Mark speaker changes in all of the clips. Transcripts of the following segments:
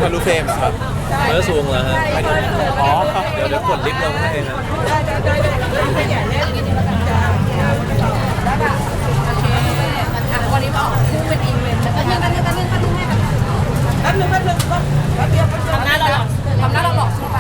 Speaker 1: ทะลุเฟรมครับ
Speaker 2: แล้วสูงเหรอฮะ
Speaker 1: อ๋อ
Speaker 2: เดี๋ยวกดลิฟต์ลงให้นะ
Speaker 3: วันนี้มาออกคู่เป็นอีเวนต์แล้วก็ยังกันแป๊บนึงทำหน้าเราหลอกขึ้นไป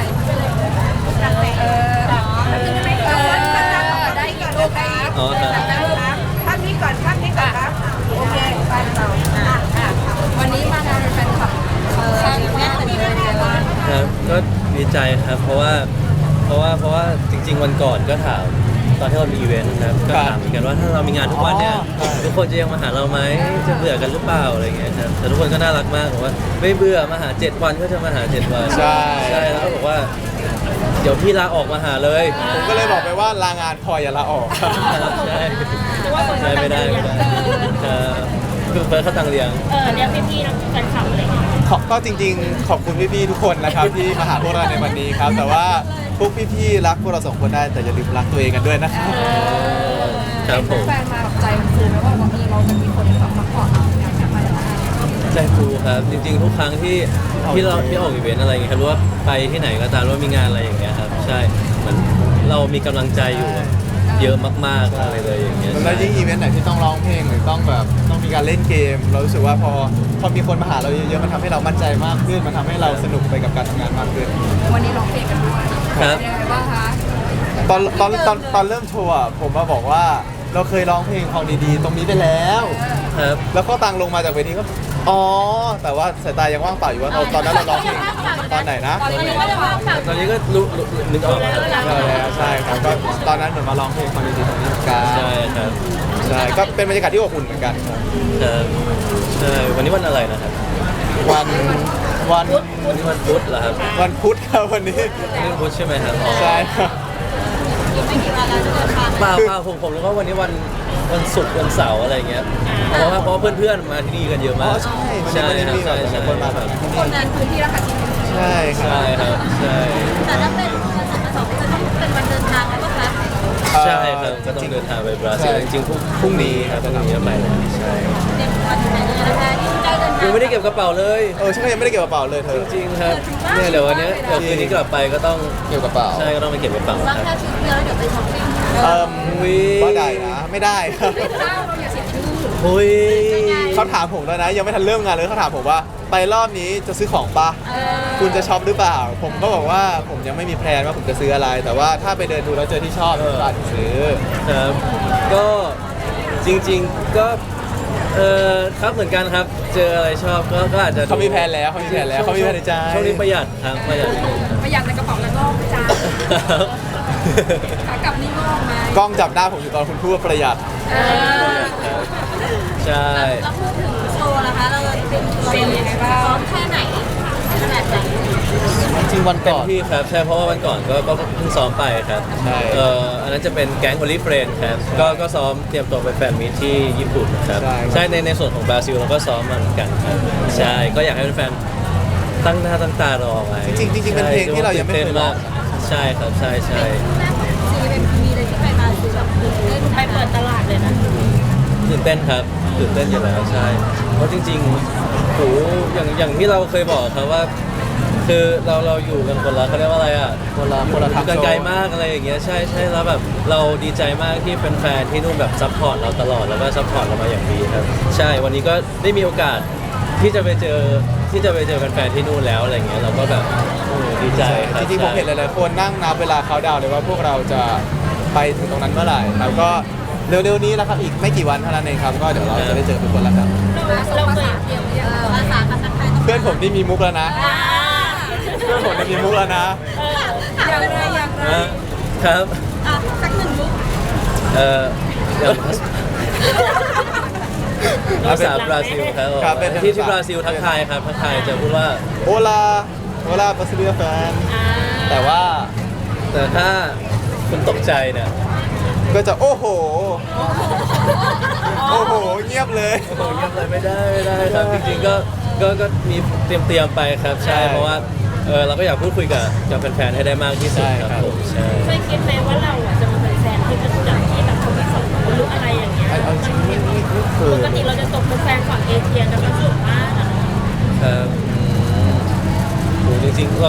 Speaker 3: ได้กี่รูปได้
Speaker 2: อ๋อครับ
Speaker 3: ภาพนี้ก่อนครับโอเคไปต่อวันนี้มางานแฟนคลับครั้งแรกเลย
Speaker 2: ครับก็ดีใจครับเพราะว่าจริงๆวันก่อนก็ถามตอนที่เรามีอีเวนต์นะครับก็ถามเหมือนกันว่าถ้าเรามีงานทุกวันเนี่ยทุกคนจะยังมาหาเราไหมจะเบื่อกันหรือเปล่าอะไรเงี้ยครับแต่ทุกคนก็น่ารักมากบอกว่าไม่เบื่อมาหา7 วันก็จะมาหา7 วัน
Speaker 1: ใช่
Speaker 2: แล้วก็บอกว่าเดี๋ยวพี่ลาออกมาหาเลย
Speaker 1: ผมก็เลยบอกไปว่าลางานพออย่าลาออก
Speaker 2: ใช่ไม่ได้คือเฟิร์สเขาตังเลี้ยง
Speaker 4: เรียกพี่ๆนักแฟนคลับอะไรอย่างเงี้ย
Speaker 1: ก็จริงๆขอบคุณพี่ๆทุกคนนะครับที่มาหาพวกเราในวันนี้ครับแต่ว่าพวกพี่ๆรักพวกเรา2 คนได้แต่อย่าลืมรักตัวเองกันด้วยนะครับ
Speaker 2: ครับผม
Speaker 3: แฟนมาแบบใจฟูไหมว่าวันนี้เราจะมีคนแบบมาขอเราอยากจะไป
Speaker 2: ใจฟูครับจริงๆทุกครั้งที่เราออกอีเวนต์อะไรอย่างเงี้ยครับรู้ว่าไปที่ไหนก็ตามว่ามีงานอะไรอย่างเงี้ยครับใช่เหมือนเรามีกำลังใจอยู่เยอะมากๆอะไรเลยอย่างเงี้ย
Speaker 1: แล้วยิ่งอีเวนต์ไหนที่ต้องร้องเพลงหรือต้องมีการเล่นเกมเรารู้สึกว่าพอมีคนมาหาเราเยอะๆมันทำให้เรามั่นใจมากขึ้นมันทำให้เราสนุกไปกับการทำงานมากขึ้น
Speaker 3: วันนี้ร้องเพลงกันด้วย
Speaker 2: ครับ
Speaker 3: ยังไงบ้างคะ
Speaker 1: ตอนเริ่มโชว์ผมมาบอกว่าเราเคยร้องเพลงของดีๆตรงนี้ไปแล้ว
Speaker 2: ครับ
Speaker 1: แล้วก็ตังลงมาจากเวทีก็อ๋อแต่ว่าสายตายังว่างเปล่าอยู่ว่าตอนนั้นเราร้องเพลงตอนไหนนะ
Speaker 2: ตอนนี้ก็รู้นึกออกแล้ว
Speaker 1: ใช่ครับก็ตอนนั้นเหมือนมาร้องเพลงของดีๆตรงนี้เหมือนกัน
Speaker 2: ใช่ครับ
Speaker 1: ใช่ก็เป็นบรรยากาศที่อบอุ่นเหมือนกันครับ
Speaker 2: ใช่วันนี้วันอะไรนะครับ
Speaker 1: วัน
Speaker 2: นี้วันพุธเหรอครับ
Speaker 1: วันพุธครับวันนี้
Speaker 2: วันพุธใช่ไหมครับ
Speaker 1: ใช่ครับ
Speaker 2: เปล่าผมรู้ว่าวันนี้วันศุกร์วันเสาร์อะไรเงี้ยเพราะว่าเพื่อนๆมาที่นี่กันเยอะมาก
Speaker 1: ใช่
Speaker 2: ใช่
Speaker 1: คนมาแบบ
Speaker 3: คนนั้นพื้นที่ราคาที่
Speaker 1: ใช่
Speaker 2: ครับใช่
Speaker 4: แต่ถ้าเป็นวันศุกร์จะต้องเป็นวันเดินทางแล้วก็คะ
Speaker 2: ใช่ครับก็ต้องเดินทางไปบราซิลจริงๆพรุ่งนี้ครับพรุ่งนี้ไปใช่
Speaker 4: เต็มวันไหนเลยนะคะที่ใกล้เดินทาง
Speaker 2: ยังไม่ได้เก็บกระเป๋าเลย
Speaker 1: ใช่ยังไม่ได้เก็บกระเป๋าเลยเธอ
Speaker 2: จริงครับเนี่ยเดี๋ยววันนี้คืนนี้กลับไปก็ต้อง
Speaker 1: เก็บกระเป๋า
Speaker 2: ใช่ก็ต้องไปเก็บกระเป๋า
Speaker 4: แล้วแค่ชุดเดียวเดี๋ยวไปช้อปปิ้ง
Speaker 1: ก็ได้นะไม่ได้ครับเขาถามผมแล้วนะยังไม่ทันเริ่มงานเลยเขาถามผมว่าไปรอบนี้จะซื้อของปะคุณจะช็อปหรือเปล่าผมก็บอกว่าผมยังไม่มีแพลนว่าผมจะซื้ออะไรแต่ว่าถ้าไปเดินดูแล้วเจอที่ชอบก็อาจจะซื้อ
Speaker 2: ครับก็จริงๆก็ครับเหมือนกันครับเจออะไรชอบก็อาจจะ
Speaker 1: เขามีแพลนแล้วเขามีแพลนในใจ
Speaker 2: ช่วงนี้ประหยัดครับประหยัด
Speaker 3: ในกระเป๋าแล้วก็จ้าขากลับนี่งอกไหม
Speaker 1: กล้องจับหน้าผมอยู่ตอนคุณพูดว่าประหยัด
Speaker 2: ใช่
Speaker 4: แล้วพูดถึงโชว์นะคะเราเป็นยังไงบ้างซ้อมแค่ไหนขนาดไหน
Speaker 1: จริงวันก่อน
Speaker 2: ที่ครับใช่เพราะว่าวันก่อนก็เพิ่งซ้อมไปครับอันนั้นจะเป็นแก๊งโอลิเฟรนครับก็ซ้อมเตรียมตัวไปแฟนมีตที่ญี่ปุ่นครับใช่ในส่วนของบราซิลเราก็ซ้อมมาเหมือนกันครับใช่ก็อยากให้แฟนตั้งหน้าตั้งตารอไว้
Speaker 1: จริงเป็นเพลงที่เรายังไม่เคยร้อง
Speaker 2: ใช่ครับใช่
Speaker 4: ซีเป็นมีเลยที่ไปมาคือแบบไปเปิดตลาดเลยนะ
Speaker 2: ตื่นเต้นครับตื่นเต้นอยู่แล้วใช่เพราะจริงๆโหอย่างที่เราเคยบอกครับว่าคือเราอยู่กันคนละเขาเรียกว่าอะไรอ่ะ
Speaker 1: คนละทาง
Speaker 2: ไกลมากอะไรอย่างเงี้ยใช่แล้วแบบเราดีใจมากที่แฟนๆที่นู่นแบบซัพพอร์ตเราตลอดแล้วก็ซัพพอร์ตเรามาอย่างดีครับใช่วันนี้ก็ได้มีโอกาสที่จะไปเจอแฟนๆที่นู่นแล้วอะไรเงี้ยเราก็แบบดีใจครับ
Speaker 1: จริงๆผมเห็นหลายๆคนนั่งนับเวลาเขาดาวเลยว่าพวกเราจะไปถึงตรงนั้นเมื่อไหร่แล้วก็เร็วๆนี้แล้วครับอีกไม่กี่วันเท่านั้นเองครับก็เดี๋ยวเราจะได้เจอทุกคนแล้วครับ
Speaker 4: เราเคยภาษาไทย
Speaker 1: เพื่อนผมที่มีมุกแล้วนะเพื่อนผมที่มีมุกแล้วนะ
Speaker 3: อย่างไร
Speaker 2: ครับ
Speaker 4: สักหนึ่งมุก
Speaker 2: ภาษาบราซิลครับที่บราซิลทักทายครับทักทายจะพูดว่า
Speaker 1: โอลาบราซิเลียแฟนแต่
Speaker 2: ถ้าคุณตกใจเนี่ย
Speaker 1: ก็จะโอ้โหเงียบเลย
Speaker 2: ไม่ได้ครับจริงๆก็มีเตรียมไปครับใช่เพราะว่าเราก็อยากพูดคุยกับแฟนๆให้ได้มากที่สุดครับผมใช่
Speaker 4: เคยคิดไหมว่าเราจะมาเป็นแฟนที่จะจับที่แบบคนที่สองคนรู้อะไรอย่างเงี้ยปกติเราจะตกเป็นแฟนฝั่งเอเชียกันมาสุดมาก
Speaker 2: ครับ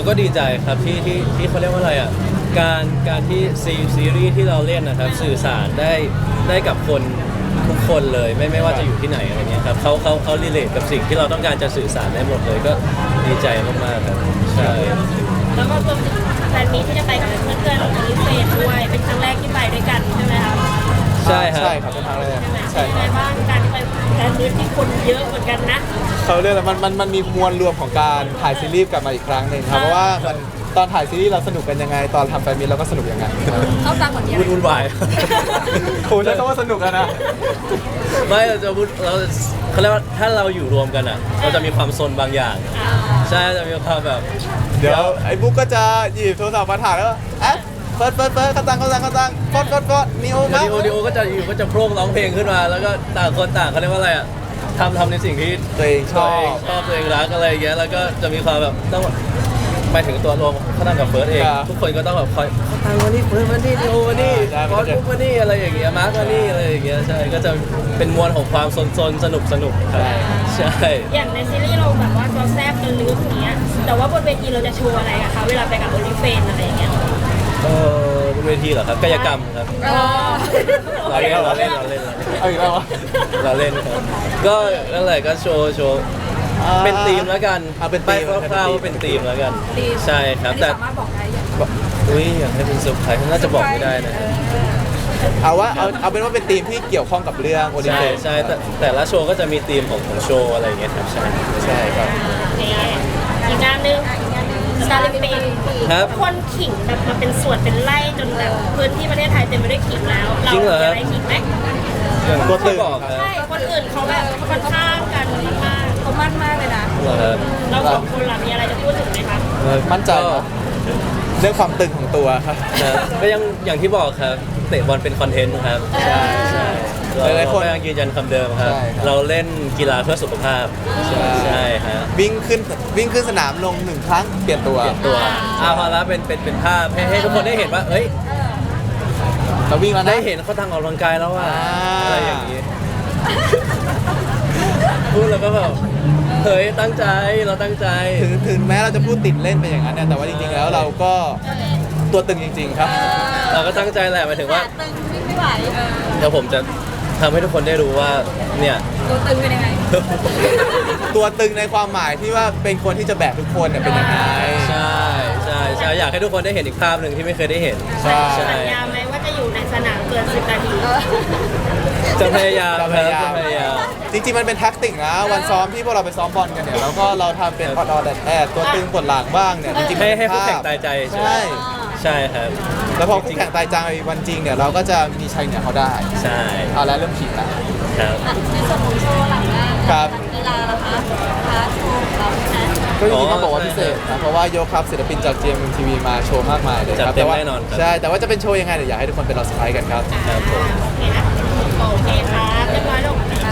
Speaker 2: ก็ดีใจครับที่เขาเรียกว่าอะไรอ่ะการที่ซีรีส์ที่เราเล่นนะครับสื่อสารได้กับคนทุกคนเลยไม่ว่าจะอยู่ที่ไหนอะไรเงี้ยครับเขารีเลทกับสิ่งที่เราต้องการจะสื่อสารได้หมดเลยก็ดีใจมากๆครับใช่
Speaker 4: แล้วก็รวมถึงแฟนมีที่จะไปกับเพื่อนๆของลิเฟนด้วยเป็นครั้งแรกที่ไปด้วยกันใช่ไหมคะ
Speaker 2: ใช่ครับ
Speaker 1: ใช่ครับเป็นทางแรก
Speaker 4: ใช่
Speaker 1: ใช่
Speaker 4: ไหม
Speaker 1: ครับ
Speaker 4: เป็นไงบ้างการที่ไปแฟนมีที่คนเยอะเหมือนกันนะ
Speaker 1: เขาเรียกอะไรมันมีมวลรวมของการถ่ายซีรีส์กลับมาอีกครั้งหนึ่งครับเพราะว่ามันตอนถ่ายซีรีส์เราสนุกกันยังไง ตอนทำแฟนมิตเราก็สนุกอย่างนั้น
Speaker 3: เขาตังเหมือนกัน
Speaker 2: วุ่นวาย
Speaker 1: ครูใช้คำว่าสนุกอะนะ
Speaker 2: ไม่เราจะพูดเราเขาเรียกว่าถ้าเราอยู่รวมกันอ่ะ เราจะมีความซนบางอย่าง ใช่จะมีความแบบ
Speaker 1: เดี๋ยวไอ้บุ๊กก็จะหยิบโทรศัพท์มาถ่ายแล้วแอปเปิดกระตังกดนิโอ
Speaker 2: แล้ว
Speaker 1: มา
Speaker 2: ดิโอก็จะอยู่ก็จะโพร่งร้องเพลงขึ้นมา แล้วก็ต่างคนต่างเขาเรียกว่าอะไรอ่ะทำในสิ่งที่
Speaker 1: ตัวเองช
Speaker 2: ตัว
Speaker 1: อ
Speaker 2: เอง
Speaker 1: บ
Speaker 2: ชอบตัวเองรักอะไรอย่างเงี้ยแล้วก็จะมีความแบบต้องไปถึงตัวรวมเขาตั้งกับเฟิร์สเอง
Speaker 1: ครับ
Speaker 2: ทุกคนก็ต้องแบบคอยเขาตั้งวันนี้เฟิร์สวันนี้ดิโอวันนี้
Speaker 1: ใช่
Speaker 2: บอสบุ๊กวันนี้อะไรอย่างเงี้ยมาร์ควันนี้อะไรอย่างเงี้ยใช่ก็จะเป็นมวลของความซนๆสนุกครับใช่
Speaker 4: อย่างในซีรีส์เราแบบว่าเราแซบกันลึกอย่างเงี้ยแต่ว่าบนเวทีเราจะโชว์อะไรอะคะเวลาไปกับโอลิเฟนอะไรอย่างเงี้ย
Speaker 2: บนเวทีเหรอครับกายกรรมครับ เราเล่น
Speaker 1: เอาอีกแล้ววะ
Speaker 2: เราเล่นครับก็นั่นแหละก็โชว์เป็นธีมแล้วกัน
Speaker 1: เป็นธีม
Speaker 2: ไปคร่าวๆว่าเป็นธีมแล้วกัน ใช่ครับ
Speaker 3: อันนี้
Speaker 2: แต่
Speaker 3: สามารถบอกได้ยัง
Speaker 2: อุ้ยอยากให้เป็นเซอร์ไพรส์น่าจะบอกไม่ได้นะ
Speaker 1: เอาเป็นว่าเป็นทีมที่เกี่ยวข้องกับเรื่องโอลิ
Speaker 2: ใช่
Speaker 1: เฟน
Speaker 2: ใช่แต่ละโชว์ก็จะมีธีมของโชว์อะไรอย่างเงี้ยครับใช่
Speaker 1: ใช่ครับ
Speaker 4: โอเคอีกงานหนึงซาลิมปิก
Speaker 2: ครับ
Speaker 4: คนขิงแบบมาเป็นส่วนเป็นไร่จนแบบพื้นที่ประเทศไทยเต็มไปด้วยขิงแล้ว เรา
Speaker 2: จริงเหรอ
Speaker 4: มีอะไรขิงไหม
Speaker 2: อย่าง
Speaker 1: ตัวตึ
Speaker 2: ที่
Speaker 1: ง
Speaker 2: บอกครับ
Speaker 4: ใช่คนอื่นเขาแบบค่อนข้างกันมาก
Speaker 3: เขามั่นมากเลยนะ
Speaker 2: เหรอครับ
Speaker 4: ๆเราสองคนล่ะมีอะไรจะพูดถึงไหมคะ
Speaker 1: มั่นใจนะเรื่องความตึงของตัวครับ
Speaker 2: ครับก็ยังอย่างที่บอกครับเตะบอลเป็นคอนเทนต์ครับใช่เรา
Speaker 1: หลายๆคน
Speaker 2: ก็ยังยืนยันคำเดิมครับ
Speaker 1: ใช่ครับ
Speaker 2: เราเล่นกีฬาเพื่อสุขภาพใช่ฮะ
Speaker 1: วิ่งขึ้นสนามลง1 ครั้งเปลี่ยนตัว
Speaker 2: เปลี่ยนตัวพอแล้วเป็นภาพให้ทุกคนได้เห็นว่าเอ้ย
Speaker 1: เราวิ่งแล้วนะ
Speaker 2: ได้เห็นเขาทางออกกำลังกายแล้วว่า
Speaker 1: อ่า
Speaker 2: อะไรอย่างนี้ พูดแล้วก็แบบเฮ้ยตั้งใจเราตั้งใจ
Speaker 1: ถึงแม้เราจะพูดติดเล่นไปอย่างนั้นเนี่ยแต่ว่าจริงๆแล้วเราก็ตัวตึงจริง ๆ ครับ
Speaker 2: เราก็ตั้งใจแหละหมายถึงว่า
Speaker 4: ตึงวิ่งไม่ไหว
Speaker 2: เดี๋ยวผมจะทำให้ทุกคนได้รู้ว่าเนี่ย
Speaker 3: ตัวตึงเป็นยังไง
Speaker 1: ตัวตึงในความหมายที่ว่าเป็นคนที่จะแบกทุกคนเนี่ยเป็นยังไง
Speaker 2: ใช่อยากให้ทุกคนได้เห็นอีกภาพหนึ่งที่ไม่เคยได้เห็น
Speaker 1: ใช่
Speaker 4: สัญญาไหมว่าจะอยู่ในสนามเกิน10 นาที
Speaker 2: จะพยายามครับจะพยายาม
Speaker 1: จริงๆมันเป็นแท็กติกนะวันซ้อมที่พวกเราไปซ้อมบอลกันเนี่ยแล้วก็เราทำเป็นออดแอดตัวตึงปวดหลังบ้างเนี่ยจริงๆมัน
Speaker 2: ให้
Speaker 1: เป็น
Speaker 2: คู่
Speaker 1: ภา
Speaker 2: แข่ง
Speaker 1: พ
Speaker 2: ตายใจ
Speaker 1: ใช่
Speaker 2: ใช่ครับ
Speaker 1: แล้วพอคู่แข่งตายจังในวันจริงเนี่ยเราก็จะมีชัยเหนือเขาได้
Speaker 2: ใช่
Speaker 1: เอาแล้วเริ่มขิงแล้ว
Speaker 2: ครับ
Speaker 4: ในส่วนของโชว์หลังงาน
Speaker 1: ครับ
Speaker 4: กีฬาล่ะคะพาร์ทโชว์ของเราใช่ไหม
Speaker 1: ก็จริงๆต้องบอกว่าพิเศษนะเพราะว่ายกครับศิลปินจาก GMMTV มาโชว์มากมายเลยค
Speaker 2: จั
Speaker 1: รั
Speaker 2: ด
Speaker 1: บ
Speaker 2: เต็ม
Speaker 1: ว่า
Speaker 2: แน่นอนครับ
Speaker 1: ใช่แต่ว่าจะเป็นโชว์ยังไงเดี๋ยวอยากให้ทุกคนไปรอเซอร์ไพรส์กันครับ
Speaker 2: ครับผม
Speaker 4: โอเคครับเรียบร้อยแล้วค่ะ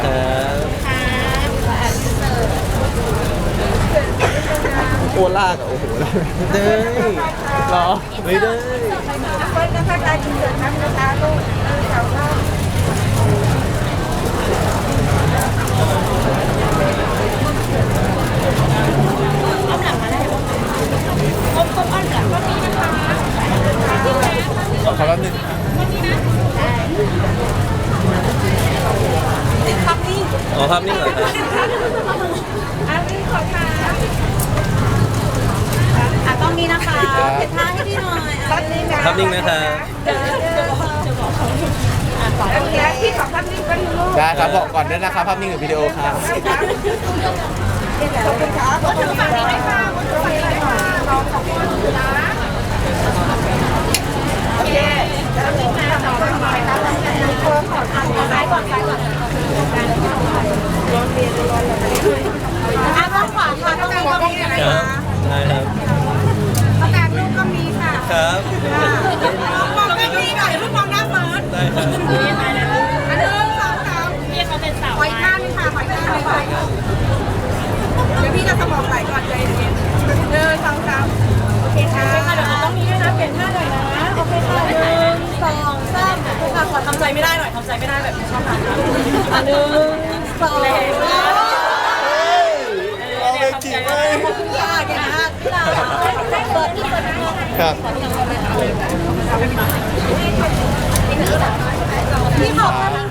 Speaker 1: โอลากอะโอ้โห
Speaker 2: ได้
Speaker 1: เหรอ
Speaker 2: ไม่ได้
Speaker 3: เฟิร์สนะคะการกินเดือดทั้งนะคะลูกแถวหน้า
Speaker 4: อ้อมหลังมาได้ก้มอ้อมหลังก็มีนะคะ
Speaker 1: ขอแป๊บนึง
Speaker 3: ติดคำนี้
Speaker 2: อ๋อภาพนิ่งเหรอครับ
Speaker 3: อันนี้ขอค่ะต้องนี้นะคะเก็บท่าให้ดีหน่อยภาพนิ่งนะ
Speaker 2: ภาพนิ่งนะครับ
Speaker 3: โอเคพี่ขอภาพนิ่งก็ดูลูก
Speaker 1: ได้ครับบอกก่อนด้วยนะครับภาพนิ่งหรือวิดีโอครับ
Speaker 3: ขอบคุณครับขอบคุณฝั่งนี้ด้วยค่ะขอบคุณฝั่งนี้ด้วยค่ะน้องขอบคุณนะโอเคแล้วนี่มาต่อไปครับขอซ้ายก่อนต้องขวาค่ะต้องมีก็มีนะ
Speaker 2: ครั
Speaker 3: คะ
Speaker 2: บได้ครับ
Speaker 3: ประกาศลูกก็มีค่ะ
Speaker 2: ครับ
Speaker 3: มองก็มีหน่อยลูกมองหน้าเฟิร์ส
Speaker 2: ได้ครับ
Speaker 3: อันนึงสองสาม
Speaker 4: พี่เขาเป็นสาว
Speaker 3: หอยข้างนี่ค่ะหอยข้างเลยค่ะเดี๋ยวพี่จะสมองไหลก่อนใจเย็นหนึ่งสองสามโอเคค่ะเดี๋ยวเราต้องมีด้วยนะเปลี่ยนท่าหน่อยนะโอเคค่ะหนึ่งสองสามค่ะขอทำใจไม่ได้หน่อยทำใจไม่ได้แบบชอบทำหนึ่งสอง
Speaker 1: เอาไปขิงเลย
Speaker 3: ขอบคุณค่ะเก่งมากพี่เราเปิดที่เปิดนะครับ พี่ขอภาพนิ่ง